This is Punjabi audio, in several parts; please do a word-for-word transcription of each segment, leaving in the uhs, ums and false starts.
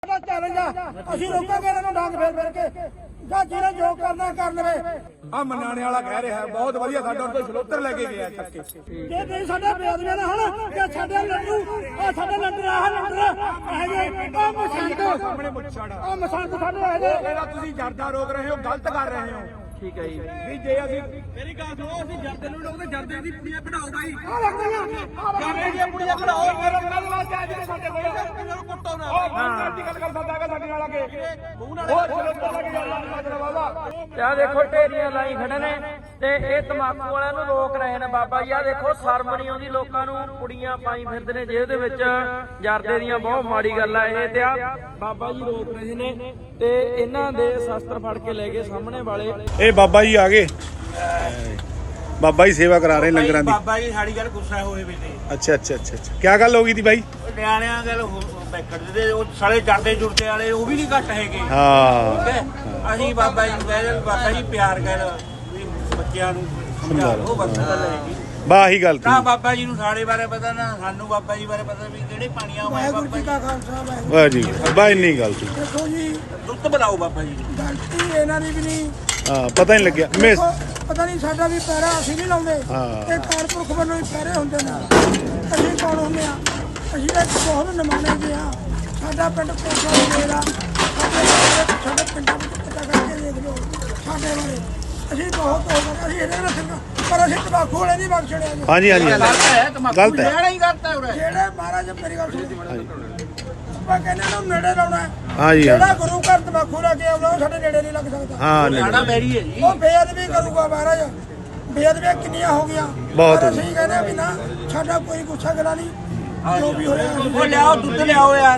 चैलेंज ਅਸੀਂ ਰੋਕਾਂਗੇ ਇਹਨਾਂ ਨੂੰ ਡਾਂਗ ਫੇਰ ਫੇਰ ਕੇ ਜਾਂ ਜਿਹਨੇ ਜੋ ਕਰਨਾ ਕਰ ਲਵੇ। ਆ ਮਨਾਣੇ ਵਾਲਾ ਕਹਿ ਰਿਹਾ ਬਹੁਤ ਵਧੀਆ ਸਾਡਾ ਤੋਂ ਛਲੋਤਰ ਲੈ ਕੇ ਗਿਆ ਚੱਕ ਕੇ ਜੇ ਨਹੀਂ ਸਾਡੇ ਬੇਅਦਬੀਆਂ ਨਾ ਹਣ ਕਿ ਸਾਡੇ ਲੱਡੂ ਆ ਸਾਡੇ ਲੱਡੂ ਆਹ ਲੱਡੂ ਇਹ ਜੇ ਆ ਮਸੰਦ ਸਾਹਮਣੇ ਮੁੱਛੜ ਆ ਮਸੰਦ ਸਾਡੇ ਇਹ ਜੇ ਜਿਹੜਾ ਤੁਸੀਂ ਜਰਦਾ ਰੋਕ ਰਹੇ ਹੋ ਗਲਤ ਕਰ ਰਹੇ ਹੋ। ਠੀਕ ਹੈ ਜੀ ਵੀ ਜੇ ਅਸੀਂ ਮੇਰੀ ਗੱਲ ਸੁਣੋ ਅਸੀਂ ਜਰਦੇ ਨੂੰ ਲੋਕ ਤੇ ਜਰਦੇ ਦੀ ਪੁੜੀਆਂ ਕਢਾਓ ਬਾਈ ਆ ਲੱਗਦੀਆਂ ਆ ਜਰਦੇ ਦੀਆਂ ਪੁੜੀਆਂ ਕਢਾਓ ਮੇਰੇ ਨਾਲ ਵਾਸਤੇ ਅੱਜ ਸਾਡੇ ਕੋਲ ਇਹਨਾਂ ਨੂੰ ਕੁੱਟੋ ਨਾ ਹਾਂ ਅੱਜ ਗੱਲ ਕਰ ਸਕਦਾ ਹੈਗਾ ਸਾਡੇ ਨਾਲ ਆ ਕੇ ਮੂੰਹ ਨਾਲ ਉਹ ਛਲੋਤਰ ਲੈ ਕੇ ਜਾਣਾ ਮਾਜਰਾ ਬਾਬਾ। ਆ ਦੇਖੋ ਢੇਰੀਆਂ ਲਾਈ ਖੜੇ ਨੇ ਤੇ ਇਹ ਤਮਾਕੂ ਵਾਲਿਆਂ ਨੂੰ ਰੋਕ ਰਹੇ ਨੇ ਬਾਬਾ ਜੀ। ਆ ਦੇਖੋ ਸ਼ਰਮ ਨਹੀਂ ਆਉਂਦੀ ਲੋਕਾਂ ਨੂੰ, ਕੁੜੀਆਂ ਪਾਈ ਫਿਰਦੇ ਨੇ ਜੇਬ ਦੇ ਵਿੱਚ ਜਰਦੇ ਦੀਆਂ। ਬਹੁਤ ਮਾੜੀ ਗੱਲ ਆ ਇਹ। ਤੇ ਆ ਬਾਬਾ ਜੀ ਰੋਕ ਰਹੇ ਨੇ ਤੇ ਇਹਨਾਂ ਦੇ ਸ਼ਸਤਰ ਫੜ ਕੇ ਲੈ ਗਏ ਸਾਹਮਣੇ ਵਾਲੇ। ਇਹ ਬਾਬਾ ਜੀ ਆ ਗਏ, ਬਾਬਾ ਜੀ ਸੇਵਾ ਕਰਾ ਰਹੇ ਲੰਗਰਾਂ ਦੀ। ਬਾਬਾ ਜੀ ਸਾਡੀ ਗੱਲ ਗੁੱਸਾ ਹੋਏ ਵੀ ਤੇ ਅੱਛਾ ਅੱਛਾ ਅੱਛਾ ਅੱਛਾ ਕੀ ਗੱਲ ਹੋ ਗਈ ਤੀ ਬਾਈ? ਨਿਆਣਿਆਂ ਗੱਲ ਬੈਕੜ ਦੇ ਉਹ ਸਾਲੇ ਜਰਦੇ ਜੁਰਦੇ ਵਾਲੇ ਉਹ ਵੀ ਨਹੀਂ ਘੱਟ ਹੈਗੇ। ਹਾਂ ਠੀਕ ਹੈ ਅਸੀਂ ਬਾਬਾ ਜੀ ਨੂੰ ਕਹਿੰਦੇ ਬਾਬਾ ਜੀ ਪਿਆਰ ਕਰ ਵੀ ਬੱਚਿਆਂ ਨੂੰ ਸਮਝਾ ਲਓ ਬਸ ਗੱਲ ਹੈਗੀ। ਬਾ ਆਹੀ ਗੱਲ ਤੀ। ਨਾ ਬਾਬਾ ਜੀ ਨੂੰ ਸਾਡੇ ਬਾਰੇ ਪਤਾ ਨਾ ਸਾਨੂੰ ਬਾਬਾ ਜੀ ਬਾਰੇ ਪਤਾ ਵੀ ਕਿਹੜੇ ਪਾਣੀਆਂ ਆਏ ਵਾਹਿਗੁਰੂ ਬਾਬਾ ਜੀ ਜੀ। ਕਾ ਖਾਲਸਾ ਵਾਹਿਗੁਰੂ ਵਾਹ ਜੀ ਬਾ ਇੰਨੀ ਗੱਲ ਤੀ। ਦੇਖੋ ਜੀ ਦੁੱਧ ਬਣਾਓ ਬਾਬਾ ਜੀ ਨੂੰ। ਗਲਤੀ ਇਹਨਾਂ ਦੀ ਵੀ ਨਹੀਂ। ਹਾਂ ਪਤਾ ਨਹੀਂ ਲੱਗਿਆ ਮਿਸ ਦੇਖੋ, ਪਤਾ ਨਹੀਂ ਸਾਡਾ ਵੀ ਪੈਰਾ ਅਸੀਂ ਨਹੀਂ ਲਾਉਂਦੇ ਹਾਂ। ਇਹ ਕਾਰਪੁਰਖ ਵੱਲੋਂ ਹੀ ਪੈਰੇ ਹੁੰਦੇ ਨੇ। ਅਸੀਂ ਕੌਣ ਹੁੰਦੇ ਆ? ਅਸੀਂ ਤਾਂ ਬਹੁਤ ਨਿਮਾਣੇ ਜੀ ਆ। ਸਾਡਾ ਪਿੰਡ ਕੋਟਲਾ ਮੇਰਾ ਸਾਡੇ ਸਾਡੇ ਪਿੰਡਾਂ ਵਿੱਚ ਪਤਾ ਕਰਕੇ ਦੇਖ ਲਓ ਸਾਡੇ ਬਾਰੇ। ਅਸੀਂ ਬਹੁਤ ਹੋ ਗਏ ਅਸੀਂ ਇਹਦੇ ਨਾਲ ਸਿੰਘਾਂ ਪਰ ਅਸੀਂ ਤਬਾਕੂ ਵਾਲੇ ਨਹੀਂ ਬਖਸ਼ਣੇ ਜੀ। ਹਾਂਜੀ ਹਾਂਜੀ ਗਲਤ ਹੈ ਤਮਾਕੂ ਗਲਤ ਹੈ। ਲੈਣਾ ਹੀ ਕਰਤਾ ਉਰੇ। ਜਿਹੜੇ ਮਹਾਰਾਜ ਮੇਰੀ ਗੱਲ ਸੁਣੋ ਆਪਾਂ ਕਹਿੰਦੇ ਨੂੰ ਨੇੜੇ ਲਾਉਣਾ ਹੈ। ਹਾਂਜੀ ਜਿਹੜਾ ਹਾਂ ਗੁਰੂ ਘਰ ਤਬਾਕੂ ਲੈ ਕੇ ਆਉਣਾ ਉਹ ਸਾਡੇ ਨੇੜੇ ਨਹੀਂ ਲੱਗ ਸਕਦਾ। ਹਾਂ ਸਾਡਾ ਨਹੀਂ ਮੈਰੀ ਹੈ ਜੀ। ਉਹ ਬੇਅਦਬੀ ਕਰੂਗਾ ਮਹਾਰਾਜ। ਬੇਅਦਬੀਆਂ ਕਿੰਨੀਆਂ ਹੋ ਗਈਆਂ ਬਹੁਤ ਪਰ ਹੋ ਅਸੀਂ ਕਹਿੰਦੇ ਆ ਵੀ ਨਾ ਸਾਡਾ ਕੋਈ ਗੁੱਸਾ ਗਿਲਾ ਨਹੀਂ। ਜੋ ਵੀ ਹੋਇਆ ਉਹ ਲਿਆਓ ਦੁੱਧ ਲਿਆਓ ਯਾਰ।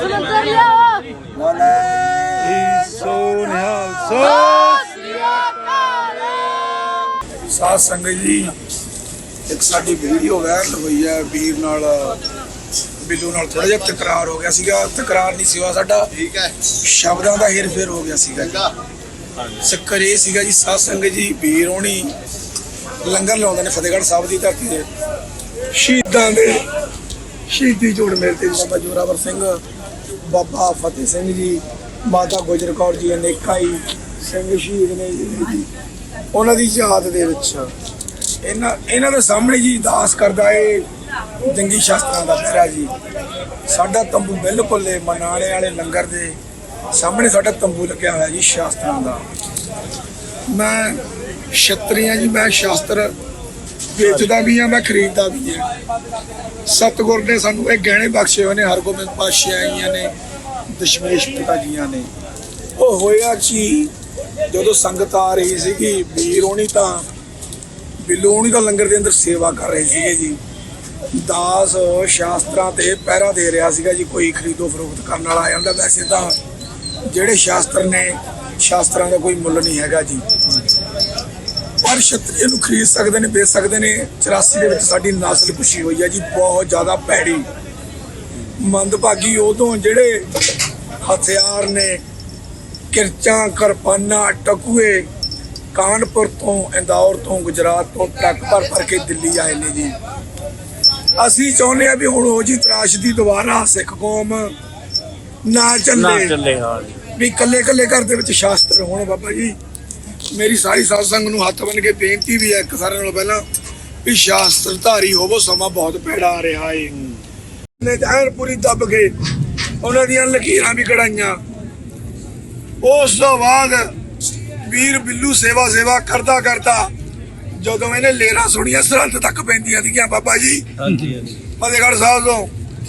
ਬੋਲੇ ਸੋਨਿਹਾਲ ਸੋ ਸਾਧ ਸੰਗਤ ਜੀ ਇੱਕ ਸਾਡੀ ਵੀਡੀਓ ਵਾਇਰਲ ਹੋਈ ਹੈ ਵੀਰ ਨਾਲ ਬਿੱਲੂ ਨਾਲ ਥੋੜਾ ਜਿਹਾ ਤਕਰਾਰ ਹੋ ਗਿਆ ਸੀਗਾ। ਤਕਰਾਰ ਨਹੀਂ ਸੀਗਾ ਸਾਡਾ, ਠੀਕ ਹੈ, ਸ਼ਬਦਾਂ ਦਾ ਹੇਰ ਫੇਰ ਹੋ ਗਿਆ ਸੀਗਾ। ਚੱਕਰ ਇਹ ਸੀਗਾ ਜੀ ਸਾਧ ਸੰਗਤ ਜੀ ਵੀਰ ਹੋਣੀ ਲੰਗਰ ਲਾਉਂਦੇ ਨੇ ਫਤਿਹਗੜ੍ਹ ਸਾਹਿਬ ਦੀ ਧਰਤੀ ਦੇ ਸ਼ਹੀਦਾਂ ਦੇ ਸ਼ਹੀਦੀ ਜੋੜ ਮੇਲੇ ਤੇ ਬਾਬਾ ਜੋਰਾਵਰ ਸਿੰਘ, ਬਾਬਾ ਫਤਿਹ ਸਿੰਘ ਜੀ, ਮਾਤਾ ਗੁਜਰ ਕੌਰ ਜੀ, ਅਨੇਕਾਂ ਹੀ ਸਿੰਘ ਸ਼ਹੀਦ ਨੇ ਜੀ। ਉਹਨਾਂ ਦੀ ਯਾਦ ਦੇ ਵਿੱਚ ਇਹਨਾਂ ਇਹਨਾਂ ਦੇ ਸਾਹਮਣੇ ਜੀ ਦਾਸ ਕਰਦਾ ਏ ਜੰਗੀ ਸ਼ਾਸਤਰਾਂ ਦਾ ਪਹਿਰਾ ਜੀ। ਸਾਡਾ ਤੰਬੂ ਬਿਲਕੁਲ ਇਹ ਮਨਾਣੇ ਵਾਲੇ ਲੰਗਰ ਦੇ ਸਾਹਮਣੇ ਸਾਡਾ ਤੰਬੂ ਲੱਗਿਆ ਹੋਇਆ ਜੀ ਸ਼ਾਸਤਰਾਂ ਦਾ। ਮੈਂ ਛਤਰੀਆਂ ਜੀ, ਮੈਂ ਸ਼ਾਸਤਰ ਵੇਚਦਾ ਵੀ ਆ, ਮੈਂ ਖਰੀਦਦਾ ਵੀ ਆ। ਸਤਿਗੁਰ ਨੇ ਸਾਨੂੰ ਇਹ ਗਹਿਣੇ ਬਖਸ਼ੇ ਹੋਏ ਨੇ, ਹਰਗੋਬਿੰਦ ਪਾਤਸ਼ਾਹੀਆਂ ਨੇ, ਦਸ਼ਮੇਸ਼ ਪਿਤਾ ਜੀਆਂ ਨੇ। ਉਹ ਹੋਇਆ ਜੀ ਜਦੋਂ ਸੰਗਤ ਆ ਰਹੀ ਸੀਗੀ ਵੀਰ ਹੋਣੀ ਤਾਂ ਬਿੱਲੂ ਹੋਣੀ ਤਾਂ ਲੰਗਰ ਦੇ ਅੰਦਰ ਸੇਵਾ ਕਰ ਰਹੇ ਸੀਗੇ ਜੀ। ਦਾਸ ਸ਼ਾਸਤਰਾਂ ਤੇ ਪਹਿਰਾ ਦੇ ਰਿਹਾ ਸੀਗਾ ਜੀ। ਕੋਈ ਖਰੀਦੋ ਫਰੋਖਤ ਕਰਨ ਵਾਲਾ ਆ ਜਾਂਦਾ। ਵੈਸੇ ਤਾਂ ਜਿਹੜੇ ਸ਼ਾਸਤਰ ਨੇ ਸ਼ਾਸਤਰਾਂ ਦਾ ਕੋਈ ਮੁੱਲ ਨਹੀਂ ਹੈਗਾ ਜੀ, ਪਰ ਛਤਰੀ ਨੂੰ ਖਰੀਦ ਸਕਦੇ ਨੇ, ਵੇਚ ਸਕਦੇ ਨੇ। ਚੁਰਾਸੀ ਦੇ ਵਿੱਚ ਸਾਡੀ ਨਸਲ ਪੁੱਛੀ ਹੋਈ ਹੈ ਜੀ, ਬਹੁਤ ਜ਼ਿਆਦਾ ਭੈੜੀ ਮੰਦਭਾਗੀ। ਉਦੋਂ ਜਿਹੜੇ ਹਥਿਆਰ ਨੇ ਕਿਰਚਾਂ, ਕਿਰਪਾਨਾਂ, ਟਕੂਏ ਕਾਨਪੁਰ ਤੋਂ, ਇੰਦੌਰ ਤੋਂ, ਗੁਜਰਾਤ ਤੋਂ ਟਰੱਕ ਭਰ ਭਰ ਕੇ ਦਿੱਲੀ ਆਏ ਨੇ ਜੀ। ਅਸੀਂ ਚਾਹੁੰਦੇ ਆ ਵੀ ਹੁਣ ਉਹ ਜੀ ਤਰਾਸ਼ਦੀ ਦੁਬਾਰਾ ਸਿੱਖ ਕੌਮ ਨਾ ਚੱਲੇ ਵੀ ਇਕੱਲੇ ਇਕੱਲੇ ਘਰ ਦੇ ਵਿੱਚ ਸ਼ਾਸਤਰ ਹੋਣ। ਬਾਬਾ ਜੀ ਮੇਰੀ ਸਾਰੀ ਸਾਧ ਸੰਗਤ ਨੂੰ ਹੱਥ ਬੰਨ੍ਹ ਕੇ ਬੇਨਤੀ ਵੀ ਹੈ ਇੱਕ ਸਾਰਿਆਂ ਨਾਲੋਂ ਪਹਿਲਾਂ ਵੀ ਸ਼ਾਸਤਰ ਧਾਰੀ ਹੋਵੋ, ਸਮਾਂ ਬਹੁਤ ਭੈੜਾ ਆ ਰਿਹਾ ਏ। ਨੇ ਐਨ ਪੂਰੀ ਦੱਬ ਕੇ ਉਹਨਾਂ ਦੀਆਂ ਲਕੀਰਾਂ ਵੀ ਕਢਾਈਆਂ। ਉਸ ਤੋਂ ਬਾਅਦ ਵੀਰ ਬਿੱਲੂ ਸੇਵਾ ਸੇਵਾ ਕਰਦਾ ਕਰਦਾ ਜਦੋਂ ਇਹਨੇ ਲੇਰਾਂ ਸੁਣੀਆਂ ਸਰਹੰਦ ਤੱਕ ਪੈਂਦੀਆਂ ਸੀਗੀਆਂ ਬਾਬਾ ਜੀ ਫਤਿਹਗੜ੍ਹ ਸਾਹਿਬ ਤੋਂ,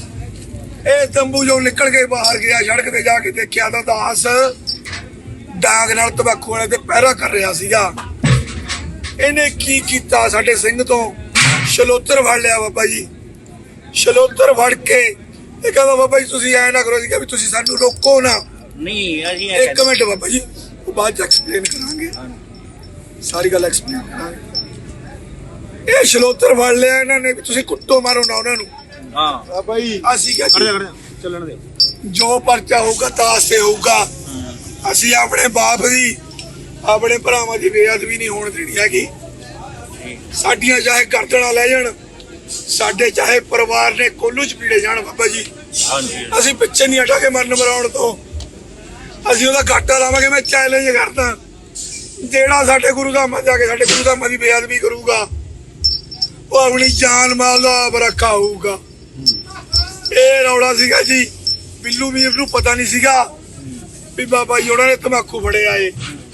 ਇਹ ਤੰਬੂ ਜੋ ਨਿਕਲ ਕੇ ਬਾਹਰ ਗਿਆ ਸੜਕ ਤੇ ਜਾ ਕੇ ਦੇਖਿਆ ਤਾਂ ਦਾਸ ਡਾਂਗ ਨਾਲ ਤਬਾਕੂ ਵਾਲੇ ਤੇ ਪਹਿਰਾ ਕਰ ਰਿਹਾ ਸੀਗਾ। ਇਹਨੇ ਕੀ ਕੀਤਾ, ਸਾਡੇ ਸਿੰਘ ਤੋਂ ਛਲੋਤਰ ਫੜ ਲਿਆ ਬਾਬਾ ਜੀ। ਛਲੋਤਰ ਫੜ ਕੇ ਇਹ ਕਹਿੰਦਾ ਬਾਬਾ ਜੀ ਤੁਸੀਂ ਐ ਨਾ ਕਰੋ ਜੀ ਵੀ ਤੁਸੀਂ ਸਾਨੂੰ ਰੋਕੋ ਨਾ। ਨਹੀਂ ਅਸੀਂ ਇੱਕ ਮਿੰਟ ਬਾਬਾ ਜੀ ਉਹ ਬਾਅਦ ਚ ਐਕਸਪਲੇਨ ਕਰਾਂਗੇ, ਸਾਰੀ ਗੱਲ ਐਕਸਪਲੇਨ ਕਰਾਂਗੇ। ਇਹ ਛਲੋਤਰ ਫੜ ਲਿਆ ਇਹਨਾਂ ਨੇ ਵੀ ਤੁਸੀਂ ਕੁੱਟੋ ਮਾਰੋ ਨਾ ਉਹਨਾਂ ਨੂੰ। ਹਾਂ ਬਾਬਾ ਜੀ ਅਸੀਂ ਕਿਹਾ ਚੱਲਣ ਦੇ ਜੋ ਪਰਚਾ ਹੋਊਗਾ ਦਾਸ ਤੇ ਹੋਊਗਾ। ਅਸੀਂ ਆਪਣੇ ਬਾਪ ਦੀ, ਆਪਣੇ ਭਰਾਵਾਂ ਦੀ ਬੇਅਦਬੀ ਨਹੀਂ ਹੋਣ ਦੇਣੀ ਹੈਗੀ। ਸਾਡੀਆਂ ਚਾਹੇ ਗਰਦਨਾਂ ਲੈ ਜਾਣ, ਸਾਡੇ ਚਾਹੇ ਪਰਿਵਾਰ ਨੇ ਕੋਲੂ ਚ ਪੀੜੇ ਜਾਣ ਬਾਬਾ ਜੀ। ਅਸੀਂ ਪਿੱਛੇ ਨਹੀਂ ਹਟਾਂਗੇ ਮਰਨ ਮਰਾਉਣ ਤੋਂ। ਅਸੀਂ ਉਹਦਾ ਘਾਟਾ ਲਾਵਾਂਗੇ। ਮੈਂ ਚੈਲੰਜ ਕਰਦਾ, ਜਿਹੜਾ ਸਾਡੇ ਗੁਰੂ ਧਾਮਾਂ ਜਾ ਕੇ ਸਾਡੇ ਗੁਰੂ ਧਾਮਾਂ ਦੀ ਬੇਅਦਬੀ ਕਰੂਗਾ ਉਹ ਆਪਣੀ ਜਾਨ ਮਾਲ ਦਾ ਬਰਖਾ ਹੋਊਗਾ। ਇਹ ਰੌਲਾ ਸੀਗਾ ਜੀ। ਬਿੱਲੂ ਵੀਰ ਨੂੰ ਪਤਾ ਨਹੀਂ ਸੀਗਾ ਵੀ ਬਾਬਾ ਜੀ ਉਹਨਾਂ ਨੇ ਤਮਾਕੂ ਫੜਿਆ ਏ।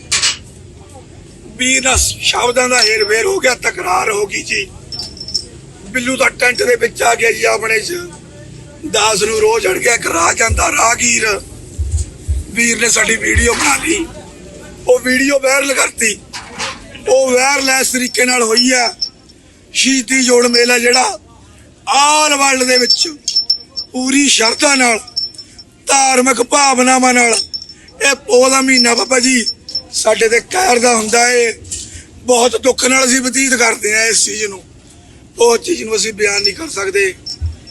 ਵੀਰ ਨਾਲ ਸ਼ਬਦਾਂ ਦਾ ਹੇਰ ਫੇਰ ਹੋ ਗਿਆ, ਤਕਰਾਰ ਹੋ ਗਈ ਜੀ। ਬਿੱਲੂ ਦਾ ਟੈਂਟ ਦੇ ਵਿੱਚ ਆ ਗਿਆ ਜੀ ਆਪਣੇ ਚ। ਦਾਸ ਨੂੰ ਰੋਜ਼ ਅੜ ਗਿਆ ਇੱਕ ਰਾਹ ਜਾਂਦਾ ਰਾਹਗੀਰ। ਵੀਰ ਨੇ ਸਾਡੀ ਵੀਡੀਓ ਬਣਾ ਲਈ, ਉਹ ਵੀਡੀਓ ਵਾਇਰਲ ਕਰਤੀ। ਉਹ ਵਾਇਰਲੈਸ ਤਰੀਕੇ ਨਾਲ ਹੋਈ ਆ। ਸ਼ਹੀਦੀ ਜੋੜ ਮੇਲਾ ਜਿਹੜਾ ਆਲ ਵਰਲਡ ਦੇ ਵਿੱਚ ਪੂਰੀ ਸ਼ਰਧਾ ਨਾਲ ਧਾਰਮਿਕ ਭਾਵਨਾਵਾਂ ਨਾਲ ਇਹ ਪੋਹ ਦਾ ਮਹੀਨਾ ਬਾਬਾ ਜੀ ਸਾਡੇ ਤੇ ਕਹਿਰ ਦਾ ਹੁੰਦਾ ਏ। ਬਹੁਤ ਦੁੱਖ ਨਾਲ ਅਸੀਂ ਬਤੀਤ ਕਰਦੇ ਹਾਂ ਇਸ ਚੀਜ਼ ਨੂੰ। ਉਹ ਚੀਜ਼ ਨੂੰ ਅਸੀਂ ਬਿਆਨ ਨਹੀਂ ਕਰ ਸਕਦੇ।